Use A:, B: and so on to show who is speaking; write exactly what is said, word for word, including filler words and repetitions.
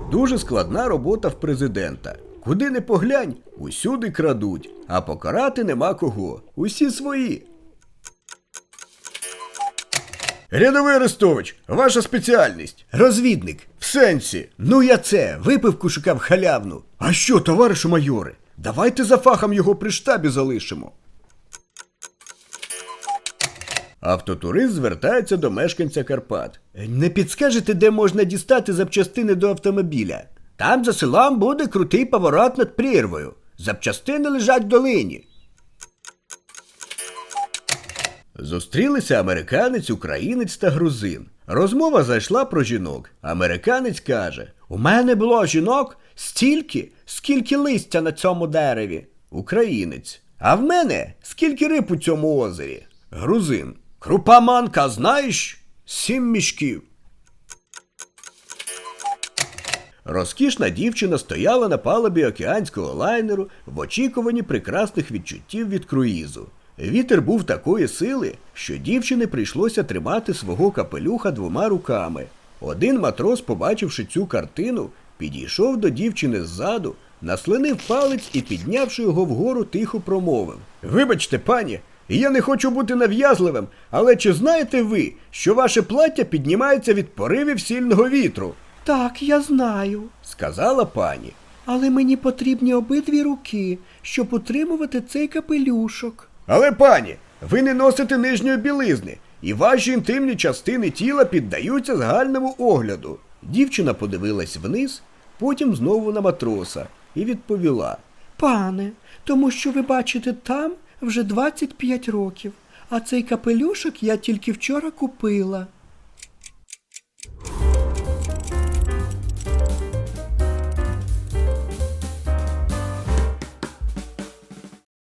A: Дуже складна робота в президента. Куди не поглянь, усюди крадуть, а покарати нема кого. Усі свої. Рядовий Арестович, ваша спеціальність? Розвідник. В сенсі? Ну я це, випивку шукав халявну. А що, товаришу майоре? Давайте за фахом його при штабі залишимо. Автотурист звертається до мешканця Карпат. Не підскажете, де можна дістати запчастини до автомобіля? Там за селом буде крутий поворот над прірвою. Запчастини лежать в долині. Зустрілися американець, українець та грузин. Розмова зайшла про жінок. Американець каже: «У мене було жінок стільки, скільки листя на цьому дереві». Українець: «А в мене скільки риб у цьому озері?» Грузин: «Крупа манка, знаєш? Сім мішків». Розкішна дівчина стояла на палубі океанського лайнеру в очікуванні прекрасних відчуттів від круїзу. Вітер був такої сили, що дівчині прийшлося тримати свого капелюха двома руками. Один матрос, побачивши цю картину, підійшов до дівчини ззаду, наслинив палець і, піднявши його вгору, тихо промовив: «Вибачте, пані, я не хочу бути нав'язливим, але чи знаєте ви, що ваше плаття піднімається від поривів сильного вітру?»
B: «Так, я знаю»,
A: – сказала пані.
B: «але мені потрібні обидві руки, щоб утримувати цей капелюшок».
A: «Але, пані, ви не носите нижньої білизни, і ваші інтимні частини тіла піддаються загальному огляду». Дівчина подивилась вниз, потім знову на матроса і відповіла:
B: «Пане, тому що ви бачите там вже двадцять п'ять років, а цей капелюшок я тільки вчора купила».